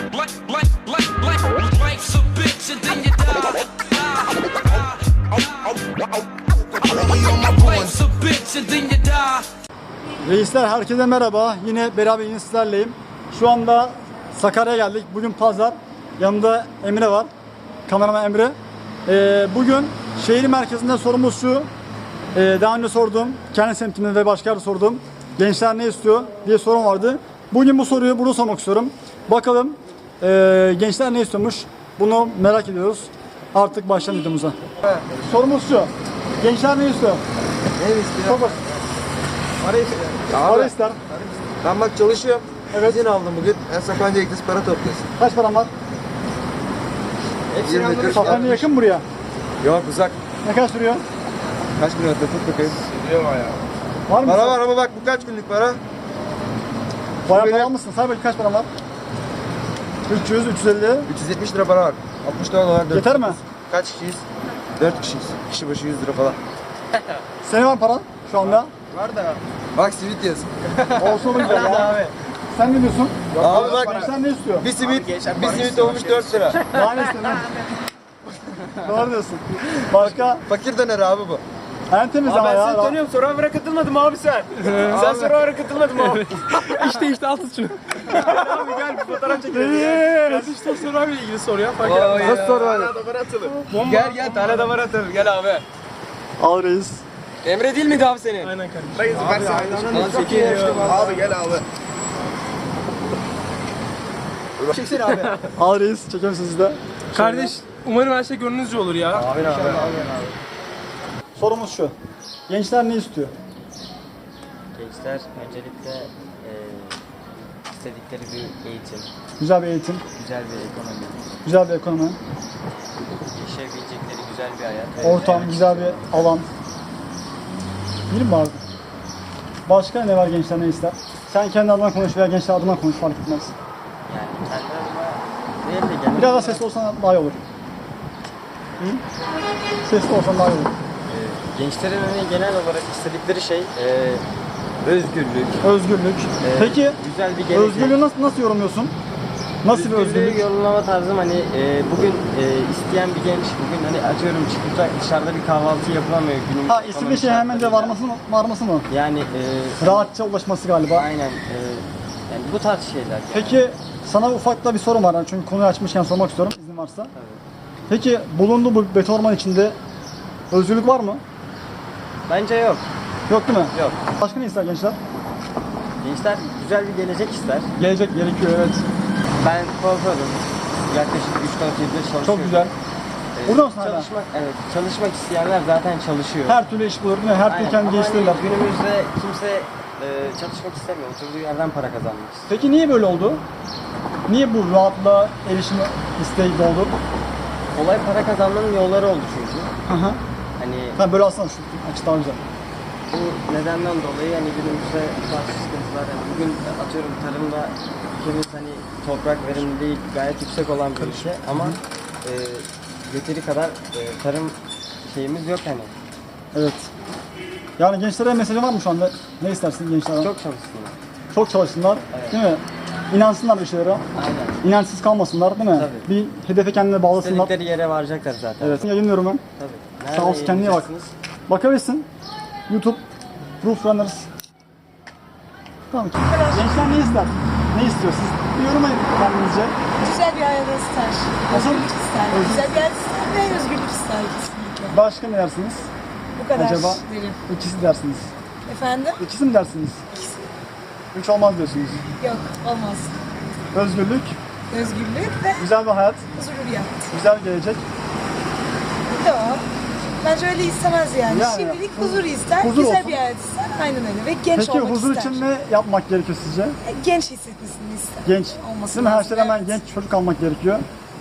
Life's a bitch and then you die. Life's a bitch and then you die. Reisler herkese merhaba. Yine beraber yine sizlerleyim. Şu anda Sakarya'ya geldik. Bugün pazar. Yanımda Emre var. Kameraman Emre. Bugün şehir merkezinde sorumuz şu. Daha önce sorduğum, kendi semtimde ve başka yerde sorduğum gençler ne istiyor diye sorum vardı. Bugün bu soruyu burada sormak istiyorum. Bakalım gençler ne istiyormuş? Bunu merak ediyoruz. Artık başlayalım videomuza. Sorumuz şu. Gençler ne istiyor? Ne istiyor? Çok basit. Para istiyor. Para ister. Ben bak çalışıyorum. Evet. İzin aldım bugün. Sapanca gideceğiz, para topluyorsun. Kaç param var? Hepsini 20 Safranca yakın buraya. Yok uzak. Ne kadar sürüyor? Kaç kilometre tut bakayım. Sürüyor bayağı. Var mı? Para var ama bak bu kaç günlük para? Bayağı Benim- para almışsın. Say bakayım kaç param var? 300, 350. 370 lira para var. 60 dolar. Yeter mi? Kaç kişiyiz? 4 kişiyiz. Kişi başı 100 lira falan. Senin var paran şu anda. Var da. Bak simit yazın. Olsun olur güzel ya. Sen ne diyorsun? Abi bak. Gençler ne istiyor? Bir simit olmuş 4 lira. Daha ne istiyorsun? Doğru diyorsun. Başka? Fakir döner abi bu. En temiz ama ya. Tanıyorum, Survivor'a katılmadın mı abi sen? Sen Survivor'a katılmadın mı abi? işte al tut şunu. Gel abi gel bir fotoğraf çekelim. Gel işte Survivor'la ilgili soru ya. Fark etmez. Nasıl soru var? Tane damar atılır. Gel tane damar atılır. Gel abi. Al reis. Emre değil miydi abi senin? Aynen kardeşim. Abi gel abi. Çeksene abi. Al reis. Çekiyorum sizi de. Kardeş, umarım her şey gönlünüzce olur ya. Sorumuz şu. Gençler ne istiyor? Gençler öncelikle istedikleri bir eğitim, Güzel bir eğitim, güzel bir ekonomi, güzel bir ekonomi, yaşayabilecekleri güzel bir hayat. ortam, güzel bir alan. Değil mi abi? Başka ne var gençler ne ister? Sen kendi adına konuş veya gençler adına konuş fark etmez. Yani kendi adıma değil de genel Biraz daha olarak, sesli olsan daha iyi olur. Hı? Sesli olsan daha iyi olur. gençlerin hani genel olarak istedikleri şey özgürlük, Özgürlük. Peki güzel bir gelecek. özgürlüğü nasıl yorumluyorsun? Nasıl bir özgürlük? Yorumlama tarzım hani bugün isteyen bir genç bugün hani atıyorum çıkacak dışarıda bir kahvaltı yapılamıyor günün. Ha istediği şey hemen de varması mı? Yani Rahatça ulaşması galiba. aynen yani bu tarz şeyler. Peki sana ufak da bir sorum var. Çünkü konuyu açmışken sormak istiyorum izin varsa. Peki bulunduğu bu beton orman içinde özgürlük var mı? Bence yok. Yok değil mi? Yok. Başka ne ister gençler? Gençler güzel bir gelecek ister. Gelecek gerekiyor evet. Ben kuaförüm. Yaklaşık 3-4 yıldır çalışıyorum. Çok güzel. Burada mısın hala? Çalışmak isteyenler zaten çalışıyor. Her türlü iş bulur değil mi? Her türlü Aynen. kendi Ama geliştirirler. hani günümüzde kimse çalışmak istemiyor. Oturduğu yerden para kazanmak istiyor. Peki niye böyle oldu? Niye bu rahatlığa erişim isteği doğdu? Olay para kazanmanın yolları oldu çünkü. Aha. Hani Ha böyle alsana şu açı daha güzel. bu nedenden dolayı hani günümüzde bu tarz sıkıntılar yani bugün atıyorum tarımda ülkemiz hani toprak verimliliği gayet yüksek olan bir ülke ama yeteri kadar tarım şeyimiz yok hani. Evet. Yani gençlere mesajın var mı şu anda? Ne istersin gençlerden? Çok çalışsınlar. Çok çalışsınlar. Evet. Değil mi? İnansınlar bir şeylere. Aynen. İnançsız kalmasınlar değil mi? Tabii. Bir hedefe kendine bağlasınlar. İstedikleri yere varacaklar zaten. Evet. Yayınlıyorum ben. Tabii. Sağ olsun, kendine iyi bak. yayınlayacaksınız? Bakabilirsin. YouTube Proof Runners. Tamam. Gençler ne ister? Ne istiyor? Siz bir yorumlayın kendinizce. Güzel bir hayat ister. Nasıl? Özgürlük ister. Özgürlük. Güzel bir hayat ister ve özgürlük ister kesinlikle. Başka ne dersiniz? Bu kadar Acaba derim. ikisi dersiniz. Efendim? İkisi mi dersiniz? Üç olmaz diyorsunuz. Yok, olmaz. Özgürlük, Özgürlük ve güzel bir hayat, huzurlu bir hayat. güzel bir gelecek. Yok. Bence öyle istemez yani. Yani, Şimdilik huzur ister, huzur güzel olsun. bir hayat ister. Aynen öyle. Ve genç Peki olmak huzur ister. için ne yapmak gerekiyor sizce? Genç hissetmesini ister. Genç. Olması Değil mi? Her lazım, şeyden hemen evet. genç çocuk almak gerekiyor.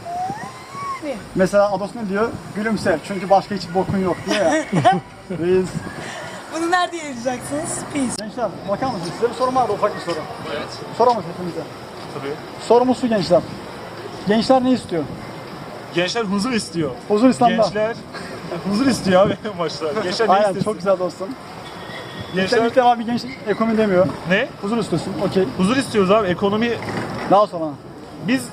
Ne? Mesela Ados ne diyor? Gülümse çünkü başka hiç bokun yok diyor ya. Reis. Bunu nerede yazacaksınız? Peace. Gençler bakar mısınız? Size bir sorum vardı ufak bir soru. Evet. Soramaz hepimize. Tabii. Sorumuz şu gençler. Gençler ne istiyor? Gençler huzur istiyor. Huzur İslam'da. Gençler huzur istiyor abi başta. Gençler ne Aynen istesin? çok güzel dostum. Gençler İlk defa bir genç ekonomi demiyor. ne? Huzur istiyorsun. Okey. Huzur istiyoruz abi. Ekonomi Daha sonra. biz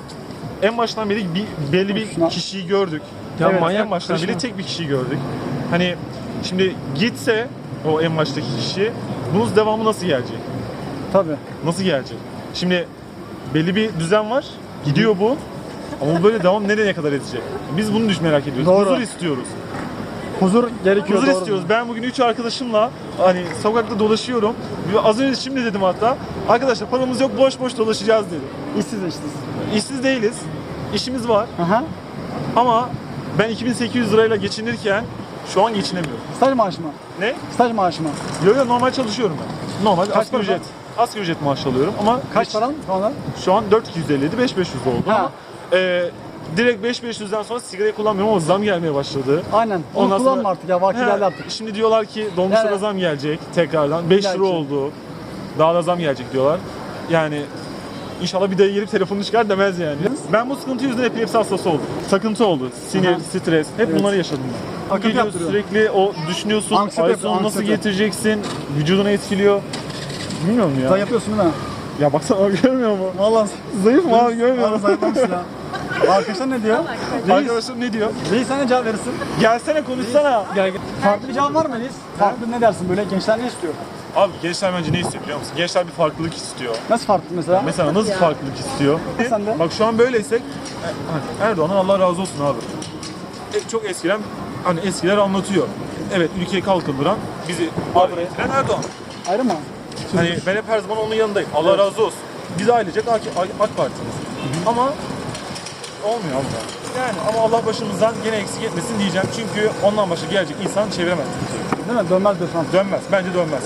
en baştan beri belli bir Şuna. kişiyi gördük. Ya Evet, manyak en baştan kaçma. beri tek bir kişiyi gördük. Hani şimdi gitse o en baştaki kişi bunun devamı nasıl gelecek? Tabii. Nasıl gelecek? Şimdi belli bir düzen var. Gidiyor bu. Ama bu böyle devam nereye kadar edecek? Biz bunu merak ediyoruz. Doğru. Huzur istiyoruz. Huzur gerekiyor. Huzur doğru. istiyoruz. Ben bugün 3 arkadaşımla hani sokakta dolaşıyorum. Az önce şimdi dedim hatta. Arkadaşlar paramız yok, boş boş dolaşacağız dedim. İşsiz işsiz. İşsiz değiliz. İşimiz var. Aha. Ama ben 2800 lirayla geçinirken şu an geçinemiyorum. Staj maaşı mı? Ne? Staj maaşı mı? Yo normal çalışıyorum ben. Normal Kaç asgari para? ücret. Asgari ücret maaş alıyorum ama Kaç paran şu anda? şu an 4250'di 5500 oldu Ha. ama direkt 5500'den sonra sigarayı kullanmıyorum ama zam gelmeye başladı. Aynen. Onu Ondan kullanma sonra- artık ya. Vakti He, geldi artık. Şimdi diyorlar ki dolmuşlara Yani- zam gelecek tekrardan. 5 lira Gelecek. oldu. Daha da zam gelecek diyorlar. Yani inşallah bir dayı gelip telefonunu çıkar demez yani. Ben bu sıkıntı yüzünden epilepsi hastası oldum. Takıntı oldu. Sinir, Aha. stres. Hep Evet. bunları yaşadım ben. Akıntı Geliyor yaptırıyor. sürekli o düşünüyorsun. Anksiyete Ay yapıyor, sonu nasıl anksiyete. getireceksin? Vücuduna etkiliyor. Bilmiyorum ya. Sen yapıyorsun değil mi? Ya baksana abi görmüyor mu? Vallahi Zayıf mı abi görmüyor Vallahi musun? zayıflamışsın ya. Arkadaşlar ne diyor? Reis, Arkadaşım ne diyor? Reis sen ne cevap verirsin? Gelsene konuşsana. Gel gel. Farklı bir cevap var mı Reis? Farklı ne dersin böyle? Gençler ne istiyor? Abi gençler bence ne istiyor biliyor musun? Gençler bir farklılık istiyor. Nasıl farklı mesela? Mesela nasıl farklılık istiyor? Sen de. Bak şu an böyleysek Erdoğan'dan Allah razı olsun abi. Çok eskiden hani eskiler anlatıyor. Evet ülkeyi kalkındıran bizi buraya getiren Erdoğan. Ayrı mı? Hani ben hep her zaman onun yanındayım. Allah razı olsun. Biz ailecek AK Parti'miz. Ama olmuyor abi. Yani ama Allah başımızdan gene eksik etmesin diyeceğim. Çünkü ondan başka gelecek insan çeviremez. Değil mi? Dönmez diyorsun. Dönmez. Bence dönmez.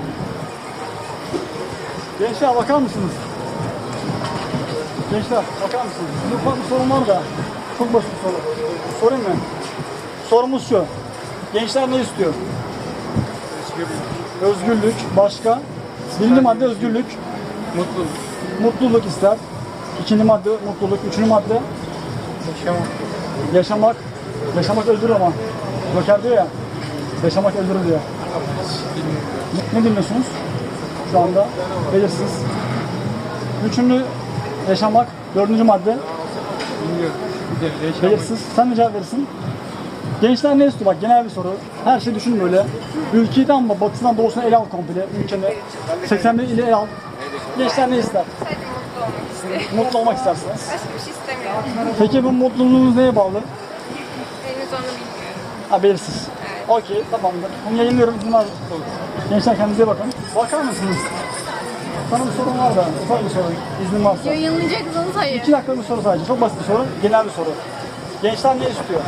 Gençler bakar mısınız? Gençler bakar mısınız? Bir ufak bir sorun var da. Çok basit bir soru. Sorayım mı? Sorumuz şu. Gençler ne istiyor? Özgürlük. Başka? Birinci madde özgürlük. Mutluluk. Mutluluk ister. İkinci madde mutluluk. Üçüncü madde yaşamak. Yaşamak öldürür ama. Joker diyor ya. Yaşamak öldürür diyor. Ne dinliyorsunuz? Şu anda belirsiz. Üçüncü yaşamak. Dördüncü madde belirsiz. Sen ne cevap verirsin? Gençler ne istiyor? Bak genel bir soru. Her şey düşün böyle. Ülkeyi tam mı? Batısından doğusuna ele al komple. Ülkeni 81 ile ele al. Gençler ne ister? Sadece mutlu olmak istiyorum. Mutlu olmak istersiniz. Başka bir şey istemiyorum. Peki bu mutluluğunuz neye bağlı? Henüz onu bilmiyorum. Ha belirsiz. Okey tamamdır. Bunu yayınlıyorum. Bunlar gençler kendinize bakın. Bakar mısınız? Sana bir sorun var da. Ufak bir soru. İznin varsa. Yayınlayacaksınız hayır. 2 dakika bir soru sadece. Çok basit bir soru. Genel bir soru. Gençler ne istiyor?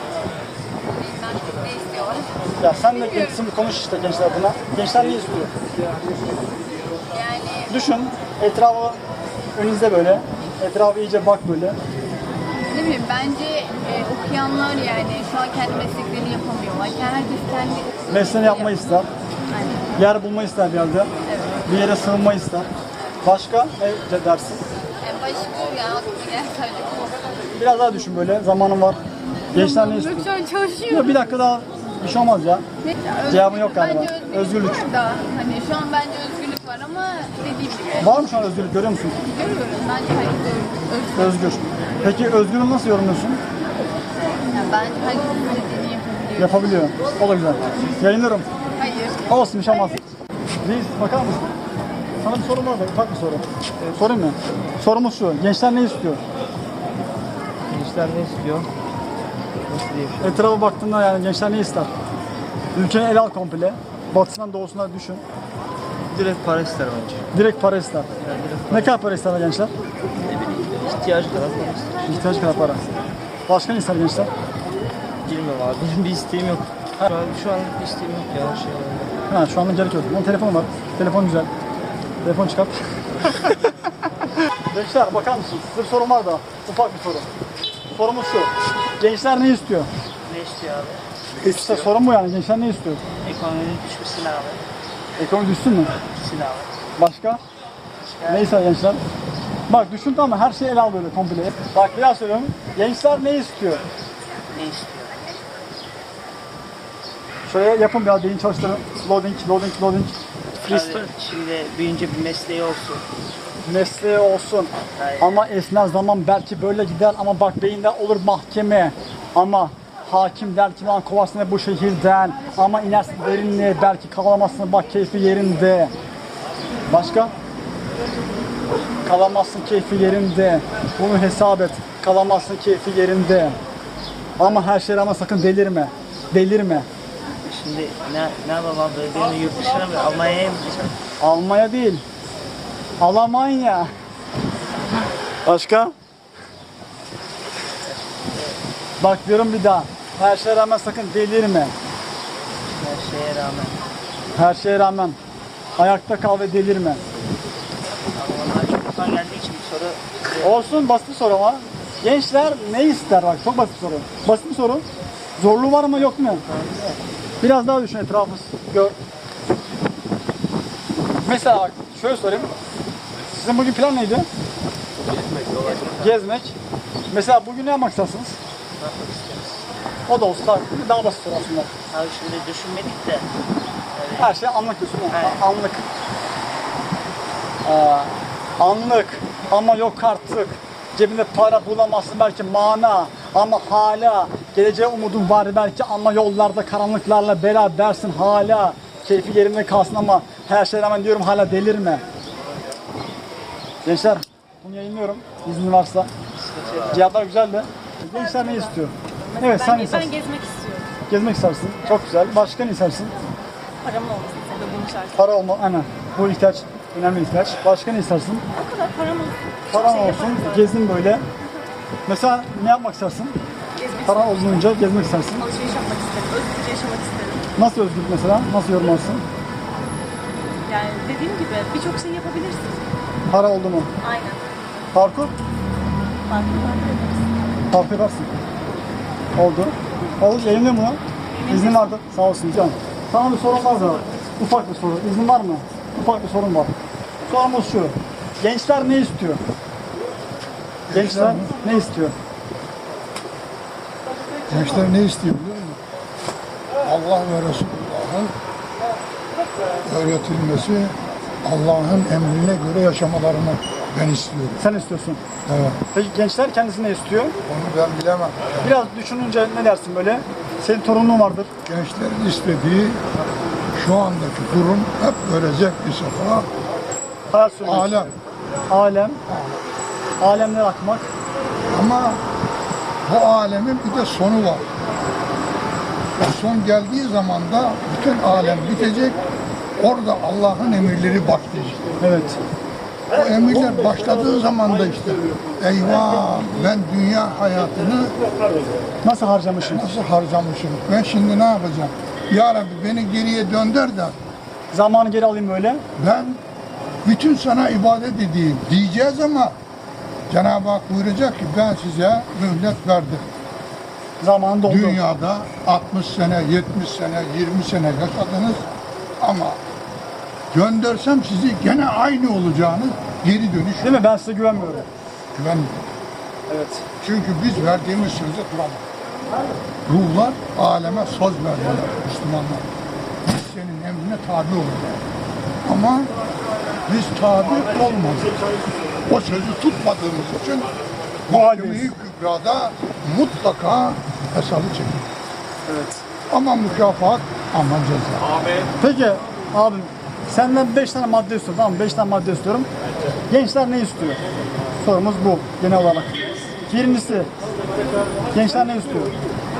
Ne istiyorlar? Ya sen de gitsin konuş işte gençler buna. Gençler ne istiyor? Yani Düşün. Etrafı önünüzde böyle. Etrafı iyice bak böyle. ne bileyim bence okuyanlar yani şu an kendi mesleklerini yapamıyorlar. Herkes kendi Mesleğini yapmayı ister. Aynen. Yer bulmayı ister bir yerde. Bir yere sığınmayı ister. Başka ne dersin? Başka yani aklıma gelen sadece bu. Biraz daha düşün böyle. Zamanın var. Gençler ne istiyor? Yok şu an çalışıyorum. Yok bir dakika daha. Bir şey olmaz ya. Cevabın yok galiba. Bence Özgürlük. var da hani şu an bence özgürlük var ama dediğim gibi Var mı şu an özgürlük görüyor musun? görüyorum. Bence herkes özgür. Özgür. Peki özgürlüğü nasıl yorumluyorsun? Yani bence herkes istediğini yapabiliyor. Yapabiliyor. O da güzel. Yayınlarım. Hayır. Olsun bir şey olmaz. Reis bakar mısın? Sana bir sorum var da ufak bir soru. Sorayım mı? Sorumuz şu. Gençler ne istiyor? Gençler ne istiyor? Nasıl diyeyim? Etrafa baktığında yani gençler ne ister? Ülkeyi ele al komple. Batısından doğusuna düşün. Direkt para ister bence. Direkt para ister. Ne kadar para ister gençler? İhtiyacı kadar para ister. İhtiyaç kadar para. Başka ne ister gençler? Bilmiyorum abi. Benim bir isteğim yok. Şu an bir isteğim yok ya. Her şey var. Ha şu anda gerek yok. Onun telefonu var. Telefon güzel. Telefon çıkart. Gençler bakar mısınız? Size bir sorum var da. Ufak bir soru. Sorumuz şu. Gençler ne istiyor? Ne istiyor abi? İşte sorun bu yani. Gençler ne istiyor? Ekonominin düşmesini abi. Ekonomi düşsün mü? Düşmesini abi. Başka? Neyse gençler. Bak düşün tamam mı? Her şeyi ele al böyle komple. Bak bir daha söylüyorum. Gençler ne istiyor? Ne istiyor? Şöyle yapın biraz beyin çalıştırın. Loading. Abi, şimdi büyüyünce bir mesleği olsun. mesleği olsun. Ama esnaf zaman belki böyle gider ama bak beyinde olur mahkeme. Ama hakim der ki lan kovarsın bu şehirden. Ama inersin derinliğe belki kalamazsın bak keyfi yerinde. Başka? Kalamazsın keyfi yerinde. Bunu hesap et. Kalamazsın keyfi yerinde. Ama her şeye rağmen sakın delirme. Delirme. Şimdi ne yapalım abi? Beni yurt dışına mı? Almanya'ya mı gideceğim? Almanya değil. Almanya. Başka? Bak diyorum bir daha. Her şeye rağmen sakın delirme. Her şeye rağmen. Her şeye rağmen. Ayakta kal ve delirme. Ama bana çocuktan geldiği için bir soru. Olsun basit bir soru ama. Gençler ne ister bak çok basit bir soru. Basit bir soru. Zorluğu var mı yok mu? Biraz daha düşün etrafı gör. Mesela bak şöyle sorayım. Sizin bugün plan neydi? Gezmek. Mesela bugün ne yapmak istersiniz? O da olsun daha basit soru aslında. Abi şimdi düşünmedik de. Her şey anlık diyorsun. Aynen. Anlık. Anlık ama yok artık. Cebinde para bulamazsın belki mana ama hala geleceğe umudun var belki ama yollarda karanlıklarla berabersin hala. Keyfi yerinde kalsın ama her şeye rağmen diyorum hala delirme. Gençler bunu yayınlıyorum izni varsa. Cevaplar güzeldi. Gençler ne istiyor? Evet sen ne Ben istersin? gezmek istiyorum. Gezmek istersin. Çok güzel. Başka ne istersin? Paramın olmasın tabii bunun şartı. Para olma, aynen. Bu ihtiyaç, önemli ihtiyaç. Başka ne istersin? O kadar param olsun. Paran Çok şey olsun, yaparım. gezin böyle. Mesela ne yapmak istersin? Gezmek Paran olunca gezmek istersin. alışveriş yapmak isterim. Özgürce yaşamak isterim. Nasıl özgürlük mesela? Nasıl yorumlarsın? Yani dediğim gibi birçok şey yapabilirsin. Para oldu mu? Aynen. Parkur? Farklı yaparız. Parkur yaparsın. Oldu. Oldu, yayınlıyor mu? İznin vardı. Sağ olsun canım. Sana bir sorum var da. Ufak bir soru. İznin var mı? Ufak bir sorum var. Sorumuz şu. Gençler ne istiyor? Gençler ne istiyor? Gençler ne istiyor biliyor musun? Allah ve Resulullah'ın öğretilmesi, Allah'ın emrine göre yaşamalarını ben istiyorum. Sen istiyorsun. Evet. Peki gençler kendisi ne istiyor? Onu ben bilemem. Biraz düşününce ne dersin böyle? Senin torunun vardır. Gençlerin istediği şu andaki durum hep böyle zevkli sefa, Hayat sürmek. alem. Alem. Alemler akmak. Ama bu alemin bir de sonu var. O son geldiği zaman da bütün alem bitecek. Orada Allah'ın emirleri başlayacak. Evet. O emirler başladığı zaman da işte eyvah ben dünya hayatını Nasıl harcamışım? nasıl harcamışım? Ben şimdi ne yapacağım? Ya Rabbi beni geriye dönder de Zamanı geri alayım böyle. ben bütün sana ibadet edeyim diyeceğiz ama Cenab-ı Hak buyuracak ki ben size mühlet verdim. Zamanı doldu. Dünyada 60 sene, 70 sene, 20 sene yaşadınız ama göndersem sizi gene aynı olacağını geri dönüş Değil mi? Ben size güvenmiyorum. güvenmiyorum. Evet. Çünkü biz verdiğimiz sözü duramadık. Ruhlar aleme söz verdiler Müslümanlar. Biz senin emrine tabi olacağız. Ama biz tabi olmadık. O sözü tutmadığımız için mahkeme-i kübrada mutlaka hesabı çekilir. Evet. Ama mükafat ama ceza. Peki abim senden 5 tane madde istiyorum tamam mı? 5 tane madde istiyorum. Gençler ne istiyor? Sorumuz bu genel olarak. Birincisi gençler ne istiyor?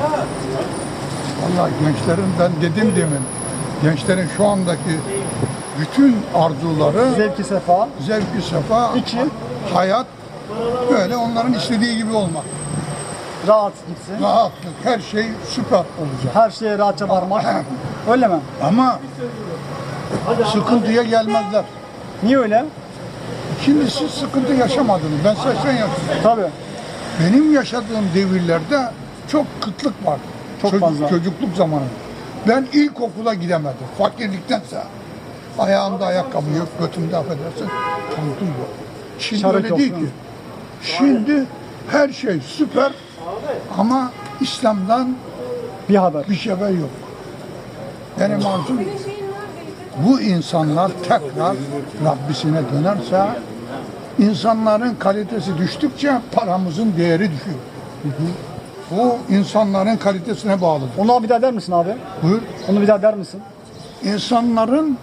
Vallahi gençlerin ben dedim demin gençlerin şu andaki bütün arzuları Zevki sefa. zevk-i sefa, İki. hayat böyle onların istediği gibi olmak. Rahat gitsin. Rahatlık, her şey süper olacak. Her şeye rahatça varmak. Öyle mi? Ama sıkıntıya gelmezler. Niye öyle? Şimdi siz sıkıntı yaşamadınız. Ben 80 yaşındayım. Tabii. Benim yaşadığım devirlerde çok kıtlık vardı. Çok fazla. Çocukluk zamanı. Ben ilkokula gidemedim. Fakirliktense. Ayağımda ayakkabı yok, götümde affedersin. Pantol yok. Şimdi Şarap öyle yok, değil değil ki. mi? Şimdi her şey süper ama İslam'dan Bir haber. bir şey yok. Benim arzum bu insanlar tekrar Rabbisine dönerse İnsanların kalitesi düştükçe paramızın değeri düşüyor. Bu insanların kalitesine bağlıdır. Onu bir daha der misin abi? Buyur. Onu bir daha der misin? İnsanların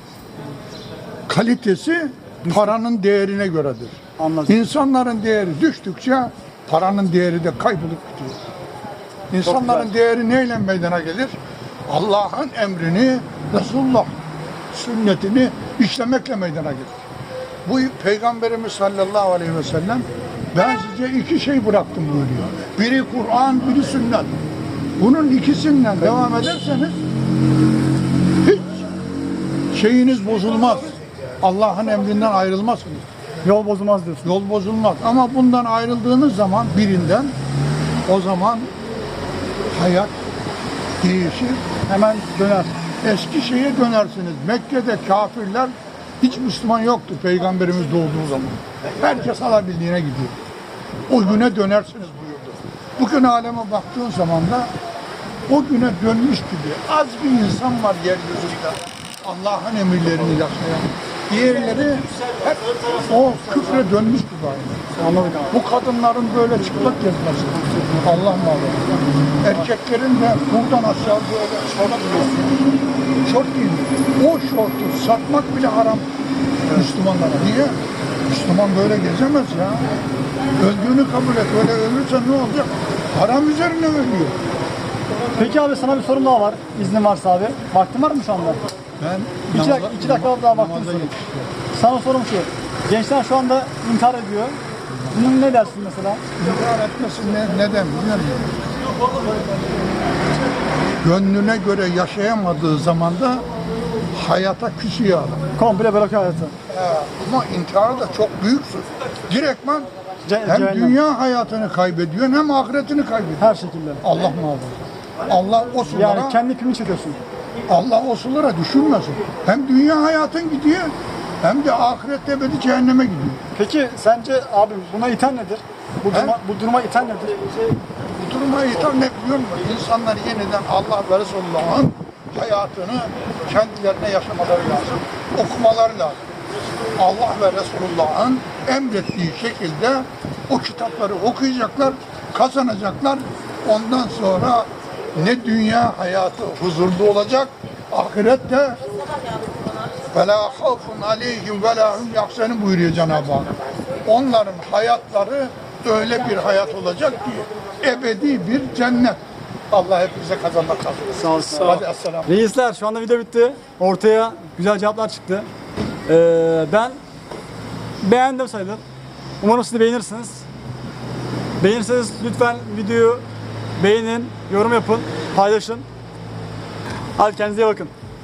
kalitesi paranın değerine göredir. Anladım. İnsanların değeri düştükçe paranın değeri de kaybolup gidiyor. İnsanların değeri neyle meydana gelir? Allah'ın emrini, Resulullah sünnetini işlemekle meydana gelir. Bu Peygamberimiz sallallahu aleyhi ve sellem ben size iki şey bıraktım buyuruyor. Biri Kur'an, biri sünnet. Bunun ikisinden devam ederseniz hiç şeyiniz bozulmaz. Allah'ın emrinden ayrılmazsınız. Yol bozulmaz diyorsun. Yol bozulmaz. Ama bundan ayrıldığınız zaman birinden o zaman hayat değişir. Hemen döner. Eski şeye dönersiniz. Mekke'de kafirler hiç Müslüman yoktu Peygamberimiz doğduğu zaman. Herkes alabildiğine gidiyor. O güne dönersiniz buyurdu. Bugün aleme baktığın zaman da o güne dönmüş gibi az bir insan var yeryüzünde. Allah'ın emirlerini yaşayan. Diğerleri hep o küfre dönmüş gibi aynı. Anladık abi. Bu kadınların böyle çıplak gezmesi. Allah muhafaza. Erkeklerin de buradan aşağı böyle şort giymiyor. O şortu satmak bile haram Müslümanlara. Niye? Müslüman böyle gezemez ya. Öldüğünü kabul et. Öyle ölürse ne olacak? Haram üzerine ölüyor. Peki abi sana bir sorum daha var. İznin varsa abi. Vaktin var mı şu anda? Ben İki dakika daha vaktim sorayım. Sana sorum şu. Gençler şu anda intihar ediyor. Bunun ne dersin mesela? İntihar etmesi neden biliyor musun? Gönlüne göre yaşayamadığı zaman da hayata küsüyor adam. Komple bırakıyor hayatı. Ama intihar da çok büyük suç. Direktman hem cehennem. dünya hayatını kaybediyor hem ahiretini kaybediyor. Her şekilde. Allah muhafaza. Allah o sulara, Yani kendi ipini çekiyorsun. Allah o sulara düşürmesin. Hem dünya hayatın gidiyor hem de ahirette ebedi cehenneme gidiyor. Peki sence abi buna iten nedir? Bu duruma iten nedir? Bu duruma itham ne biliyor musun? İnsanlar yeniden Allah ve Resulullah'ın hayatını kendilerine yaşamaları lazım. Okumaları lazım. Allah ve Resulullah'ın emrettiği şekilde o kitapları okuyacaklar, kazanacaklar. Ondan sonra ne dünya hayatı huzurlu olacak, ahirette وَلَا خَوْفٌ عَلَيْهِمْ وَلَا هُمْ يَحْزَنُونَ buyuruyor Cenab-ı Hak. Onların hayatları öyle bir hayat olacak ki ebedi bir cennet. Allah hepimize kazanmak nasip. Sağ ol. Hadi esselamu. Reisler şu anda video bitti. Ortaya güzel cevaplar çıktı. Ben beğendim sayılır. Umarım siz de beğenirsiniz. Beğenirseniz lütfen videoyu beğenin, yorum yapın, paylaşın. Hadi kendinize iyi bakın.